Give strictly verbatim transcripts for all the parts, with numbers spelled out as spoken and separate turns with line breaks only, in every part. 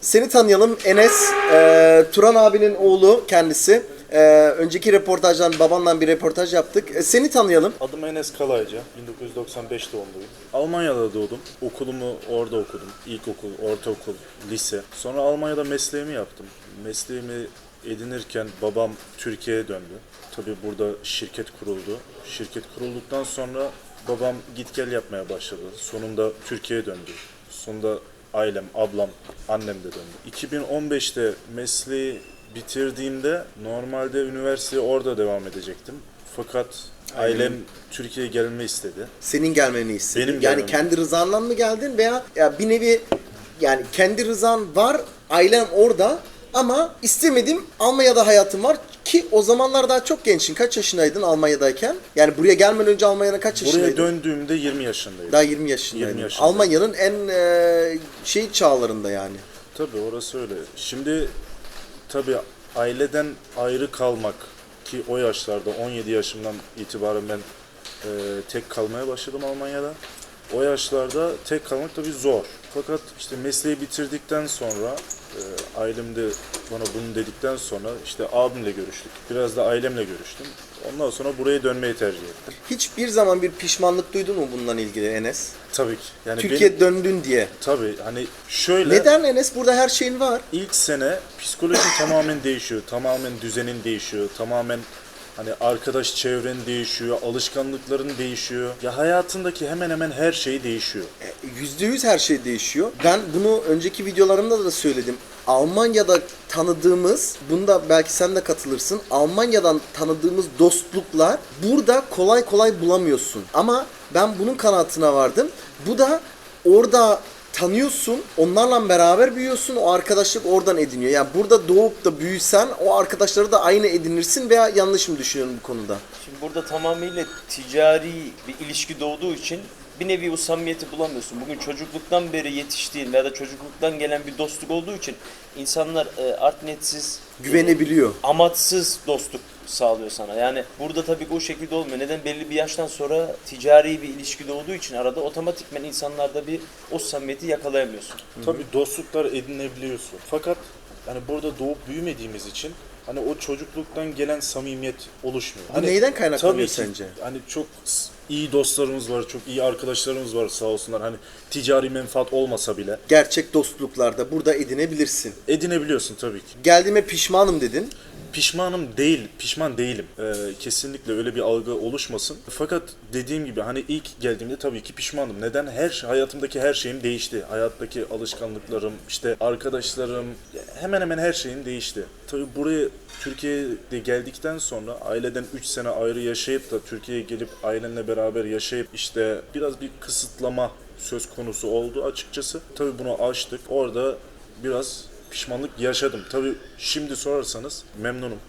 Seni tanıyalım. Enes, e, Turan abinin oğlu kendisi. E, önceki röportajdan babanla bir röportaj yaptık. E, seni tanıyalım.
Adım Enes Kalayca, bin dokuz yüz doksan beş doğumluyum. Almanya'da doğdum. Okulumu orada okudum. İlkokul, ortaokul, lise. Sonra Almanya'da mesleğimi yaptım. Mesleğimi edinirken babam Türkiye'ye döndü. Tabii burada şirket kuruldu. Şirket kurulduktan sonra babam git gel yapmaya başladı. Sonunda Türkiye'ye döndü. Sonunda ailem, ablam, annem de döndü. iki bin on beşte mesleği bitirdiğimde normalde üniversiteye orada devam edecektim. Fakat ailem Türkiye'ye gelme istedi.
Senin gelmeni istedi.
Benim
yani
gelmemi.
kendi rızanla mı geldin veya ya bir nevi yani kendi rızan var, ailem orada ama istemedim, Almanya'da hayatım var ki o zamanlar daha çok gençsin. Kaç yaşındaydın Almanya'dayken? Yani buraya gelmeden önce Almanya'da kaç yaşındaydın?
Buraya döndüğümde yirmi yaşındaydım.
Daha yirmi yaşındaydın.
yirmi yaşındaydım.
Almanya'nın en e, şey çağlarında yani.
Tabii orası öyle. Şimdi tabii aileden ayrı kalmak ki o yaşlarda on yedi yaşımdan itibaren ben e, tek kalmaya başladım Almanya'da. O yaşlarda tek kalmak tabii zor. Fakat işte mesleği bitirdikten sonra e, ailem de bana bunu dedikten sonra işte abimle görüştük. Biraz da ailemle görüştüm. Ondan sonra buraya dönmeyi tercih ettim.
Hiçbir zaman bir pişmanlık duydun mu bundan ilgili Enes?
Tabii ki. Yani
Türkiye
benim,
döndün diye.
tabii hani şöyle.
Neden Enes? Burada her şeyin var.
İlk sene psikolojin tamamen değişiyor. Tamamen düzenin değişiyor. Tamamen hani arkadaş çevren değişiyor. Alışkanlıkların değişiyor. Ya hayatındaki hemen hemen her şey değişiyor.
Yüzde yüz her şey değişiyor. Ben bunu önceki videolarımda da söyledim. Almanya'da tanıdığımız, bunda belki sen de katılırsın. Almanya'dan tanıdığımız dostluklar burada kolay kolay bulamıyorsun. Ama ben bunun kanaatine vardım. Bu da orada tanıyorsun, onlarla beraber büyüyorsun, o arkadaşlık oradan ediniyor. Yani burada doğup da büyüsen o arkadaşları da aynı edinirsin veya yanlış mı düşünüyorum bu konuda?
Şimdi burada tamamıyla ticari bir ilişki doğduğu için bir nevi o samimiyeti bulamıyorsun. Bugün çocukluktan beri yetiştiğin veya da çocukluktan gelen bir dostluk olduğu için insanlar e, art niyetsiz,
Güvenebiliyor.
amaçsız dostluk sağlıyor sana. Yani burada tabii ki o şekilde olmuyor. Neden? Belli bir yaştan sonra ticari bir ilişki doğduğu için arada otomatikmen insanlarda bir o samimiyeti yakalayamıyorsun.
Tabii dostluklar edinebiliyorsun. Fakat hani burada doğup büyümediğimiz için hani o çocukluktan gelen samimiyet oluşmuyor.
Bu
Hani
neyden kaynaklanıyor
tabii ki,
sence?
Hani çok iyi dostlarımız var, çok iyi arkadaşlarımız var sağ olsunlar. Hani ticari menfaat olmasa bile
Gerçek dostluklarda burada edinebilirsin.
edinebiliyorsun tabii ki.
Geldiğime pişmanım dedin.
Pişmanım değil, pişman değilim. Ee, kesinlikle öyle bir algı oluşmasın. Fakat dediğim gibi hani ilk geldiğimde tabii ki pişmanım. Neden? Her şey, hayatımdaki her şeyim değişti. Hayattaki alışkanlıklarım, işte arkadaşlarım, hemen hemen her şeyim değişti. Tabii buraya Türkiye'de geldikten sonra aileden üç sene ayrı yaşayıp da Türkiye'ye gelip ailenle beraber yaşayıp işte biraz bir kısıtlama söz konusu oldu açıkçası. Tabii bunu aştık. Orada biraz pişmanlık yaşadım. Tabii şimdi sorarsanız memnunum.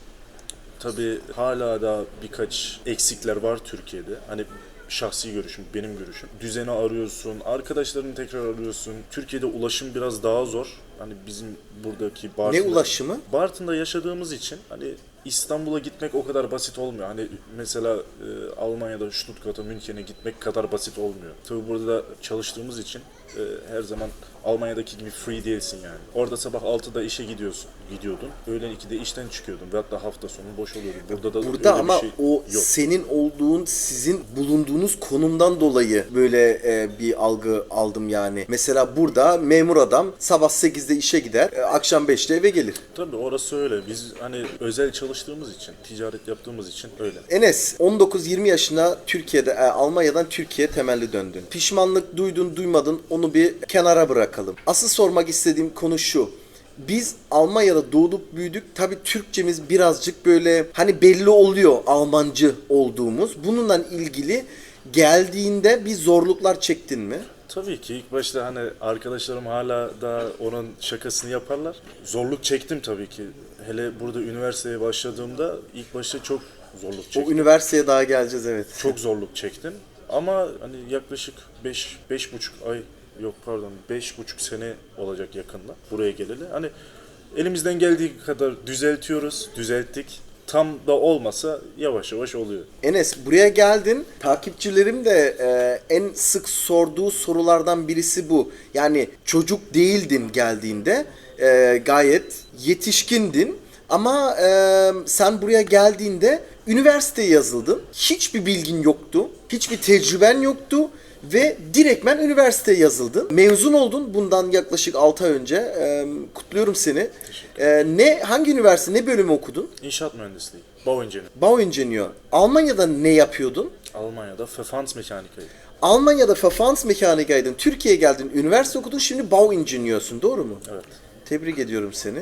Tabii hala da birkaç eksikler var Türkiye'de. Hani şahsi görüşüm, benim görüşüm. Düzeni arıyorsun, arkadaşlarını tekrar arıyorsun. Türkiye'de ulaşım biraz daha zor. Hani bizim buradaki Bartın'da...
Ne ulaşımı?
Bartın'da yaşadığımız için hani İstanbul'a gitmek o kadar basit olmuyor. Hani mesela e, Almanya'da Stuttgart'a, München'e gitmek kadar basit olmuyor. Tabii burada da çalıştığımız için e, her zaman Almanya'daki gibi free değilsin yani. Orada sabah altıda işe gidiyorsun, gidiyordun. Öğlen ikide işten çıkıyordun ve hatta hafta sonu boş oluyordun. Burada da
Burada
öyle
ama
bir şey
o
yok.
senin olduğun, sizin bulunduğunuz konumdan dolayı böyle e, bir algı aldım yani. Mesela burada memur adam sabah sekizde işe gider, e, akşam beşte eve gelir.
Tabii orası öyle. Biz hani özel çalıştığımız için, ticaret yaptığımız için öyle.
Enes, on dokuz yirmi yaşında Türkiye'de, e, Almanya'dan Türkiye'ye temelli döndün. Pişmanlık duydun, duymadın, onu bir kenara bırakalım. Asıl sormak istediğim konu şu. Biz Almanya'da doğduk büyüdük. Tabii Türkçemiz birazcık böyle hani belli oluyor Almancı olduğumuz. Bununla ilgili geldiğinde bir zorluklar çektin mi?
Tabii ki ilk başta hani arkadaşlarım hala da onun şakasını yaparlar. Zorluk çektim tabii ki. Hele burada üniversiteye başladığımda ilk başta çok zorluk
O
çektim.
üniversiteye daha geleceğiz, evet.
Çok zorluk çektim. Ama hani yaklaşık beş beş buçuk ay yok pardon beş buçuk sene olacak yakında buraya geleli. Hani elimizden geldiği kadar düzeltiyoruz, düzelttik. tam da olmasa yavaş yavaş oluyor.
Enes, buraya geldin. Takipçilerim de e, en sık sorduğu sorulardan birisi bu. Yani çocuk değildin geldiğinde. E, gayet yetişkindin. Ama e, sen buraya geldiğinde üniversiteye yazıldın. Hiçbir bilgin yoktu. Hiçbir tecrüben yoktu. Ve direktmen üniversiteye yazıldın. Mezun oldun bundan yaklaşık altı ay önce. E, kutluyorum seni. E, ne hangi üniversite, ne bölümü okudun?
İnşaat mühendisliği. Bauingenieur.
Bauingenieur. Almanya'da ne yapıyordun?
Almanya'da Verfahrensmechanikaydı.
Almanya'da Verfahrensmechanika'ydın. Türkiye'ye geldin, üniversite okudun, şimdi Bauingeneurs'ün, doğru mu?
Evet.
Tebrik ediyorum seni.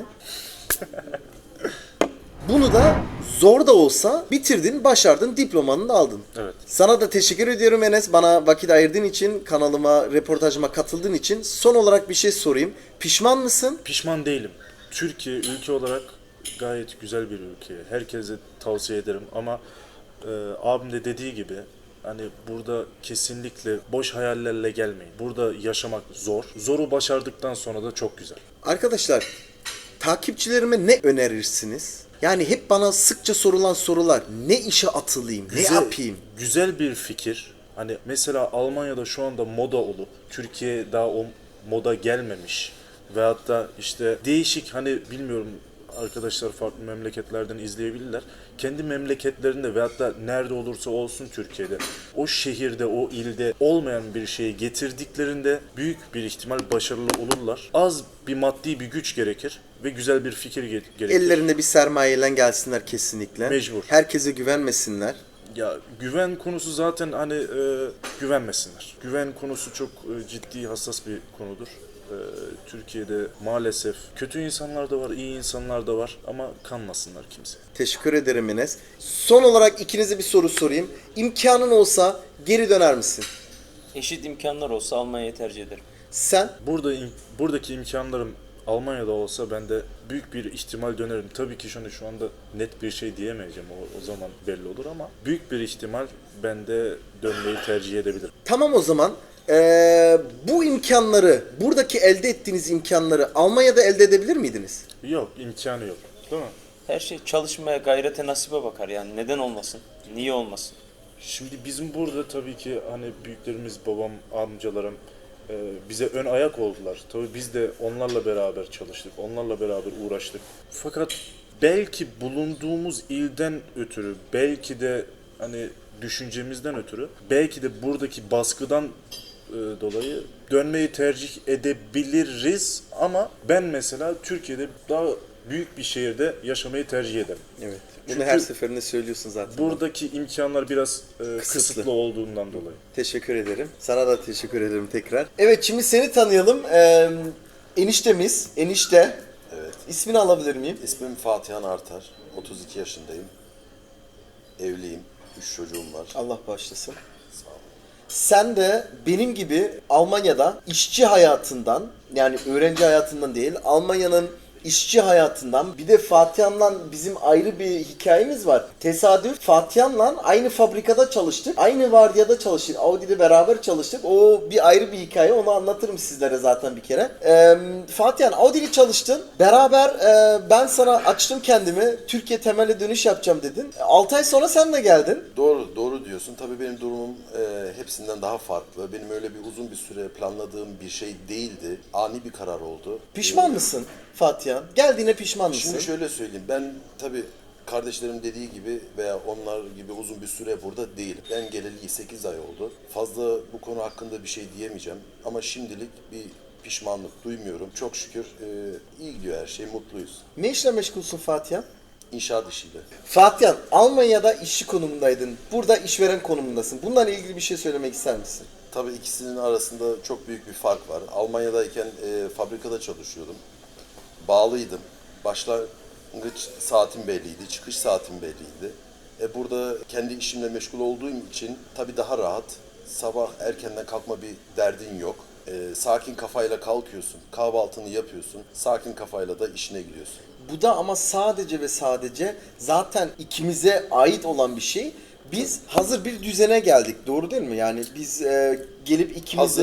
Bunu da zor da olsa bitirdin, başardın, diplomanı da aldın.
Evet.
Sana da teşekkür ediyorum Enes. Bana vakit ayırdığın için, kanalıma, reportajıma katıldığın için. Son olarak bir şey sorayım. Pişman mısın?
Pişman değilim. Türkiye ülke olarak gayet güzel bir ülke. Herkese tavsiye ederim ama e, abim de dediği gibi hani burada kesinlikle boş hayallerle gelmeyin. Burada yaşamak zor. Zoru başardıktan sonra da çok güzel.
Arkadaşlar, takipçilerime ne önerirsiniz? Yani hep bana sıkça sorulan sorular. Ne işe atılayım, ne yapayım?
Güzel bir fikir. Hani mesela Almanya'da şu anda moda olup Türkiye daha o moda gelmemiş veyahut da işte değişik hani bilmiyorum arkadaşlar farklı memleketlerden izleyebilirler. Kendi memleketlerinde veyahut da nerede olursa olsun Türkiye'de o şehirde, o ilde olmayan bir şeyi getirdiklerinde büyük bir ihtimal başarılı olurlar. Az bir maddi bir güç gerekir ve güzel bir fikir ge- gerekir.
Ellerinde bir sermayeyle gelsinler kesinlikle.
Mecbur.
Herkese güvenmesinler.
Ya güven konusu zaten hani e, güvenmesinler. Güven konusu çok e, ciddi, hassas bir konudur. E, Türkiye'de maalesef kötü insanlar da var, iyi insanlar da var ama kanmasınlar kimse.
Teşekkür ederim Enes. Son olarak ikinize bir soru sorayım. İmkanın olsa geri döner misin?
Eşit imkanlar olsa Almanya'yı tercih ederim.
Sen?
Burada im- buradaki imkanlarım Almanya'da olsa ben de büyük bir ihtimal dönerim. Tabii ki şu, şu anda net bir şey diyemeyeceğim. O, o zaman belli olur ama büyük bir ihtimal ben de dönmeyi tercih edebilirim.
Tamam o zaman. Ee, bu imkanları, buradaki elde ettiğiniz imkanları Almanya'da elde edebilir miydiniz?
Yok, imkanı yok. Değil mi?
Her şey çalışmaya, gayrete, nasibe bakar yani. Neden olmasın? Niye olmasın?
Şimdi bizim burada tabii ki hani büyüklerimiz, babam, amcalarım e, bize ön ayak oldular. Tabii biz de onlarla beraber çalıştık, onlarla beraber uğraştık. Fakat belki bulunduğumuz ilden ötürü, belki de hani düşüncemizden ötürü, belki de buradaki baskıdan e, dolayı dönmeyi tercih edebiliriz ama ben mesela Türkiye'de daha büyük bir şehirde yaşamayı tercih ederim.
Evet. Bunu
Çünkü
her seferinde söylüyorsun zaten.
buradaki imkanlar biraz e,
Kısıtlı.
kısıtlı olduğundan dolayı.
Teşekkür ederim. Sana da teşekkür ederim tekrar. Evet, şimdi seni tanıyalım. Ee, eniştemiz, enişte.
Evet.
İsmini alabilir miyim?
İsmim Fatihan Artar. otuz iki yaşındayım. Evliyim. üç çocuğum var.
Allah bağışlasın.
Sağ olun.
Sen de benim gibi Almanya'da işçi hayatından, yani öğrenci hayatından değil, Almanya'nın işçi hayatından, bir de Fatihan'la bizim ayrı bir hikayemiz var. Tesadüf, Fatihan'la aynı fabrikada çalıştık. Aynı vardiyada çalıştık. Audi'de beraber çalıştık. O bir ayrı bir hikaye. Onu anlatırım sizlere zaten bir kere. Ee, Fatihan, Audi'li çalıştın. Beraber e, ben sana açtım kendimi. Türkiye temelli dönüş yapacağım dedin. altı ay sonra sen de geldin.
Doğru, doğru diyorsun. Tabii benim durumum e, hepsinden daha farklı. Benim öyle bir uzun bir süre planladığım bir şey değildi. Ani bir karar oldu.
Pişman
Ee,
mısın Fatihan? Geldiğine pişman mısın?
Şimdi şöyle söyleyeyim. Ben tabii kardeşlerim dediği gibi veya onlar gibi uzun bir süre burada değilim. Ben geleli sekiz ay oldu. Fazla bu konu hakkında bir şey diyemeyeceğim. Ama şimdilik bir pişmanlık duymuyorum. Çok şükür e, iyi gidiyor her şey. Mutluyuz.
Ne işle meşgulsün Fatihan?
İnşaat işiyle.
Fatihan, Almanya'da işçi konumundaydın. Burada işveren konumundasın. Bunlarla ilgili bir şey söylemek ister misin?
Tabii ikisinin arasında çok büyük bir fark var. Almanya'dayken e, fabrikada çalışıyordum. Bağlıydım. Başlangıç saatim belliydi, çıkış saatim belliydi. E, burada kendi işimle meşgul olduğum için tabii daha rahat. Sabah erkenden kalkma bir derdin yok. E, sakin kafayla kalkıyorsun, kahvaltını yapıyorsun, sakin kafayla da işine gidiyorsun.
Bu da ama sadece ve sadece zaten ikimize ait olan bir şey. Biz hazır bir düzene geldik. Doğru değil mi? Yani biz e, gelip ikimiz de-
Hazır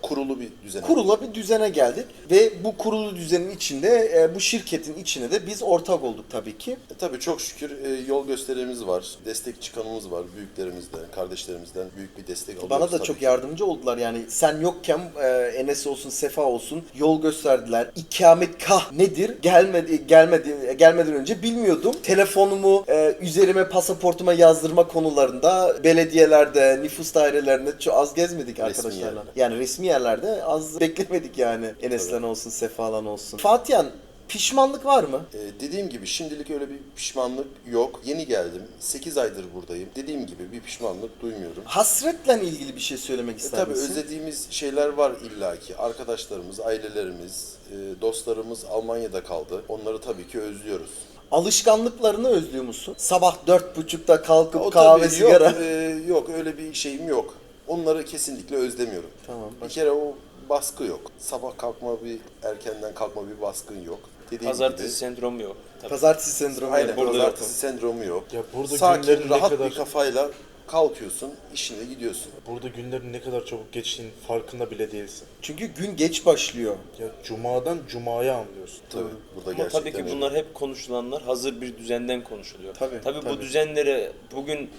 kurulu bir düzen.
Kurula bir düzene geldik ve bu kurulu düzenin içinde e, bu şirketin içine de biz ortak olduk tabii ki.
E, tabii çok şükür e, yol gösterimiz var, destek çıkanımız var, büyüklerimizden, kardeşlerimizden büyük bir destek alıyoruz.
Bana da
tabii
çok
ki.
yardımcı oldular yani sen yokken e, Enes olsun Sefa olsun yol gösterdiler. İkametgah nedir? Gelmedi gelmedi gelmeden önce bilmiyordum. Telefonumu e, üzerime pasaportuma yazdırma konularında belediyelerde, nüfus dairelerinde çok az gezmedik arkadaşlarla.
yerler.
Yani resmi yerlerde az beklemedik yani Enes'len olsun Sefa'lan olsun. Fatihan pişmanlık var mı?
Ee, dediğim gibi şimdilik öyle bir pişmanlık yok. Yeni geldim. sekiz aydır buradayım. Dediğim gibi bir pişmanlık duymuyorum.
Hasretle ilgili bir şey söylemek
E,
ister
tabii
misin?
özlediğimiz şeyler var illaki. Arkadaşlarımız, ailelerimiz, e, dostlarımız Almanya'da kaldı. Onları tabii ki özlüyoruz.
Alışkanlıklarını özlüyor musun? Sabah dört buçukta kalkıp
O
kahve
tabii
sigara.
Yok, e, yok öyle bir şeyim yok. Onları kesinlikle özlemiyorum.
Tamam.
Bir kere o baskı yok. Sabah kalkma bir erkenden kalkma bir baskın yok. Dediğim
Pazartesi
gibi.
sendromu yok. Tabii.
Pazartesi sendromu.
Aynen
yani.
burada
pazartesi
yok.
sendromu yok.
Ya burada
Sakin,
günlerin ne
rahat
kadar-
bir kafayla kalkıyorsun, işine gidiyorsun.
Burada günlerin ne kadar çabuk geçtiğinin farkında bile değilsin.
Çünkü gün geç başlıyor.
Ya cumadan cumaya anlıyorsun.
Tabii burada
Ama
gerçekten
tabii ki
öyle.
bunlar hep konuşulanlar hazır bir düzenden konuşuluyor.
Tabii,
tabii,
tabii.
bu düzenlere bugün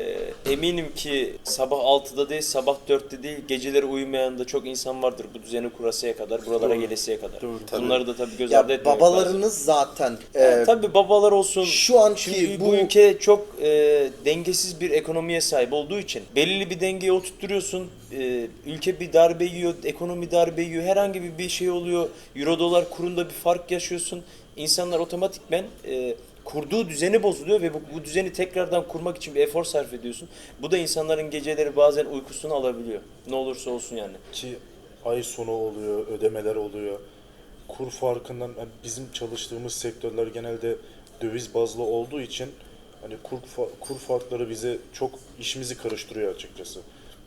e, eminim ki sabah altıda değil, sabah dörtte değil, geceleri uyumayan da çok insan vardır bu düzeni kurasıya kadar, buralara
Doğru.
gelesiye kadar.
Doğru.
Tabii.
Bunları da tabii göz ardı
Ya
etmemek
babalarınız zaten e,
lazım. Tabii babalar olsun.
şu anki
Şimdi bu,
bu-
ülke çok e, dengesiz bir ekonomiye sahip olduğu için belirli bir dengeye oturtturuyorsun. E, ülke bir darbe yiyor, ekonomi darbe yiyor, herhangi bir bir şey oluyor. Euro dolar kurunda bir fark yaşıyorsun. İnsanlar otomatikmen e, kurduğu düzeni bozuluyor ve bu, bu düzeni tekrardan kurmak için bir efor sarf ediyorsun. Bu da insanların geceleri bazen uykusunu alabiliyor. Ne olursa olsun yani.
Ki ay sonu oluyor, ödemeler oluyor. Kur farkından yani bizim çalıştığımız sektörler genelde döviz bazlı olduğu için hani kur, fa- kur farkları bize çok işimizi karıştırıyor açıkçası.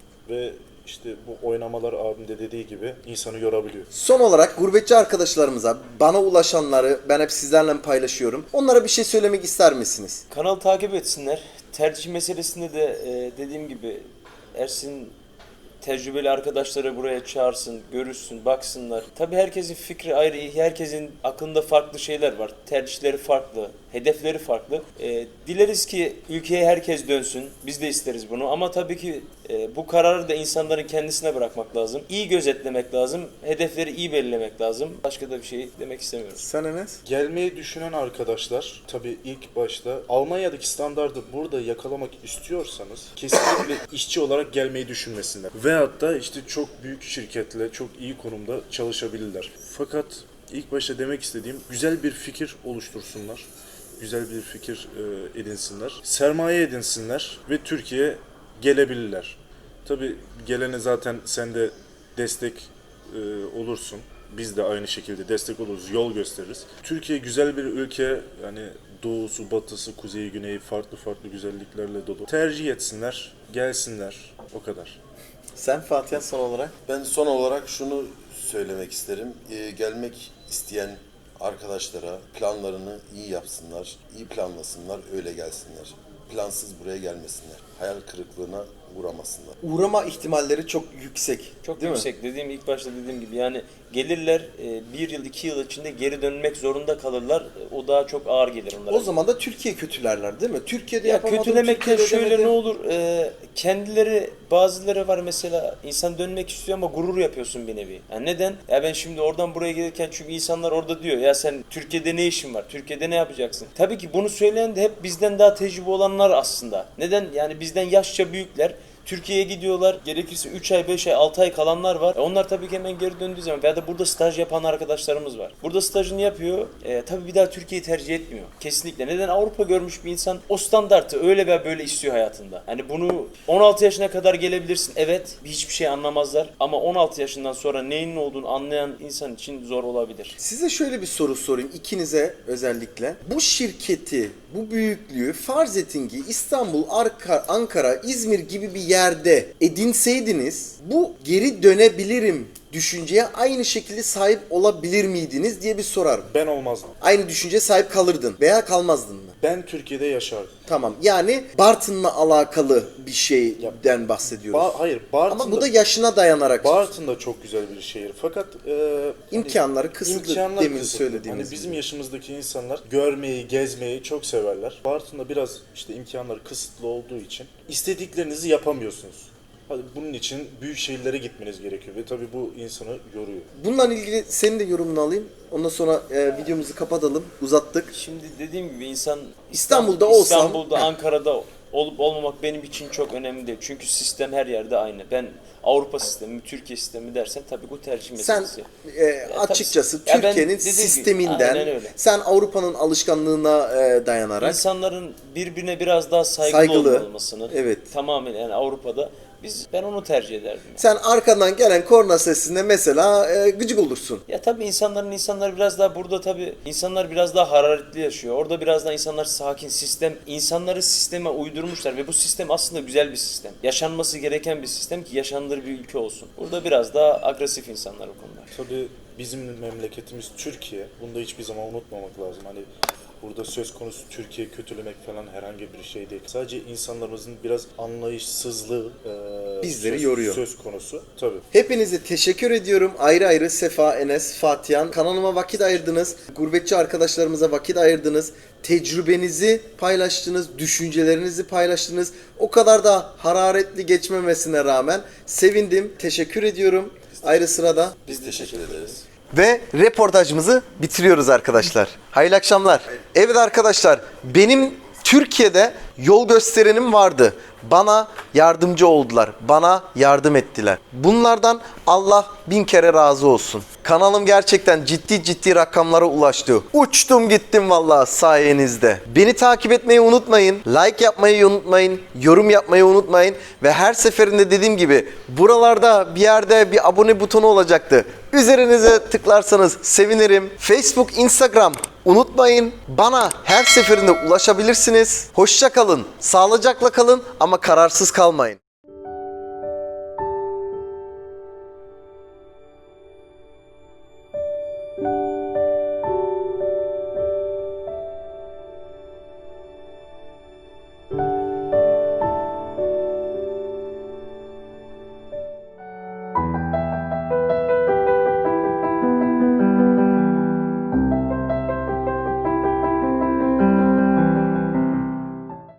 Ve işte bu oynamalar abim de dediği gibi insanı yorabiliyor.
son olarak gurbetçi arkadaşlarımıza, bana ulaşanları ben hep sizlerle paylaşıyorum. Onlara bir şey söylemek ister misiniz?
Kanalı takip etsinler. Tercih meselesinde de e, dediğim gibi Ersin tecrübeli arkadaşları buraya çağırsın, görürsün, baksınlar. Tabii herkesin fikri ayrı, herkesin aklında farklı şeyler var. Tercihleri farklı, hedefleri farklı. E, dileriz ki ülkeye herkes dönsün. Biz de isteriz bunu ama tabii ki e, bu kararı da insanların kendisine bırakmak lazım. İyi gözetlemek lazım, hedefleri iyi belirlemek lazım. Başka da bir şey demek istemiyorum.
Sen Enes?
Gelmeyi düşünen arkadaşlar tabii ilk başta Almanya'daki standardı burada yakalamak istiyorsanız kesinlikle işçi olarak gelmeyi düşünmesinler. Veyahut da işte çok büyük şirketle çok iyi konumda çalışabilirler. Fakat ilk başta demek istediğim güzel bir fikir oluştursunlar. Güzel bir fikir e, edinsinler. Sermaye edinsinler ve Türkiye'ye gelebilirler. Tabii gelene zaten sen de destek e, olursun. Biz de aynı şekilde destek oluruz, yol gösteririz. Türkiye güzel bir ülke, yani doğusu, batısı, kuzeyi, güneyi farklı farklı güzelliklerle dolu. Tercih etsinler, gelsinler, o kadar.
Sen Fatiha son olarak?
Ben son olarak şunu söylemek isterim. Ee, gelmek isteyen arkadaşlara planlarını iyi yapsınlar, iyi planlasınlar, öyle gelsinler. Plansız buraya gelmesinler. Hayal kırıklığına uğramasınlar.
Uğrama ihtimalleri çok yüksek.
Çok
değil mi?
yüksek. Dediğim ilk başta dediğim gibi yani gelirler e, bir yıl iki yıl içinde geri dönmek zorunda kalırlar. E, O daha çok ağır gelir onlara.
O zaman da Türkiye kötülerler değil mi? Türkiye'de
ya
yapamadım,
kötülemekten
Türkiye'de
şöyle
edemedim.
ne olur e, kendileri bazıları var mesela insan dönmek istiyor ama gurur yapıyorsun bir nevi. Yani neden? Ya ben şimdi oradan buraya gelirken çünkü insanlar orada diyor ya sen Türkiye'de ne işin var? Türkiye'de ne yapacaksın? Tabii ki bunu söyleyen de hep bizden daha tecrübe olanlar aslında. Neden? Yani bizden yaşça büyükler. Türkiye'ye gidiyorlar. Gerekirse üç ay, beş ay, altı ay kalanlar var. E onlar tabii ki hemen geri döndüğü zaman veya da burada staj yapan arkadaşlarımız var. Burada stajını yapıyor. E, tabii bir daha Türkiye'yi tercih etmiyor. Kesinlikle. Neden? Avrupa görmüş bir insan o standartı öyle veya böyle istiyor hayatında. Hani bunu on altı yaşına kadar gelebilirsin. Evet. Hiçbir şey anlamazlar. Ama on altı yaşından sonra neyin ne olduğunu anlayan insan için zor olabilir.
Size şöyle bir soru sorayım ikinize özellikle. Bu şirketi, bu büyüklüğü farz edin ki İstanbul, Arka- Ankara, İzmir gibi bir yerde edinseydiniz bu geri dönebilirim düşünceye aynı şekilde sahip olabilir miydiniz diye bir sorarım.
Ben olmazdım.
Aynı düşünceye sahip kalırdın veya kalmazdın mı?
Ben Türkiye'de yaşardım.
Tamam. Yani Bartın'la alakalı bir şeyden bahsediyoruz.
Ba- hayır, Bartın'da,
Ama bu da yaşına dayanarak.
Bartın da çok güzel bir şehir. Fakat e,
İmkanları kısıtlı,
imkanlar
demin
kısıtlı.
söylediğimiz
Hani bizim
gibi.
yaşımızdaki insanlar görmeyi, gezmeyi çok severler. Bartın'da biraz işte imkanları kısıtlı olduğu için istediklerinizi yapamıyorsunuz. Hadi bunun için büyük şehirlere gitmeniz gerekiyor ve tabii bu insanı yoruyor.
Bununla ilgili senin de yorumunu alayım. Ondan sonra e, videomuzu kapatalım. Uzattık.
Şimdi dediğim gibi insan
İstanbul'da
İstanbul-
olsam-
İstanbul'da, Ankara'da olup olmamak benim için çok önemli değil. Çünkü sistem her yerde aynı. Ben Avrupa sistemi, Türkiye sistemi dersen tabii bu tercih
Sen
meselesi.
e, açıkçası
tabii- Ya ben
Türkiye'nin
dediğim gibi,
sisteminden,
aynen öyle.
sen Avrupa'nın alışkanlığına e, dayanarak
İnsanların birbirine biraz daha saygılı,
Saygılı.
olmasını
Evet.
tamamen yani Avrupa'da biz ben onu tercih ederdim. Yani.
sen arkadan gelen korna sesinde mesela e, gıcık olursun.
Ya tabii insanların insanlar biraz daha burada tabii insanlar biraz daha hararetli yaşıyor. Orada biraz daha insanlar sakin. Sistem insanları sisteme uydurmuşlar ve bu sistem aslında güzel bir sistem. Yaşanması gereken bir sistem ki yaşanılır bir ülke olsun. Burada biraz daha agresif insanlar o konuda.
Tabii bizim memleketimiz Türkiye. Bunu da hiçbir zaman unutmamak lazım. Hani burada söz konusu Türkiye kötülemek falan herhangi bir şey değil. Sadece insanlarımızın biraz anlayışsızlığı e,
Bizleri
söz,
yoruyor.
söz konusu. Tabii.
Hepinize teşekkür ediyorum. Ayrı ayrı Sefa, Enes, Fatihan. Kanalıma vakit ayırdınız. Gurbetçi arkadaşlarımıza vakit ayırdınız. Tecrübenizi paylaştınız. Düşüncelerinizi paylaştınız. O kadar da hararetli geçmemesine rağmen sevindim. Teşekkür ediyorum. Ayrı sırada.
Biz teşekkür ederiz.
Ve reportajımızı bitiriyoruz arkadaşlar. Hayırlı akşamlar. Evet arkadaşlar, benim Türkiye'de yol gösterenim vardı. Bana yardımcı oldular. Bana yardım ettiler. Bunlardan Allah bin kere razı olsun. Kanalım gerçekten ciddi ciddi rakamlara ulaştı. Uçtum gittim vallahi sayenizde. Beni takip etmeyi unutmayın. Like yapmayı unutmayın. Yorum yapmayı unutmayın. Ve her seferinde dediğim gibi buralarda bir yerde bir abone butonu olacaktı. Üzerinize tıklarsanız sevinirim. Facebook, Instagram unutmayın. Bana her seferinde ulaşabilirsiniz. Hoşça kalın. Sağlıcakla kalın ama kararsız kalmayın.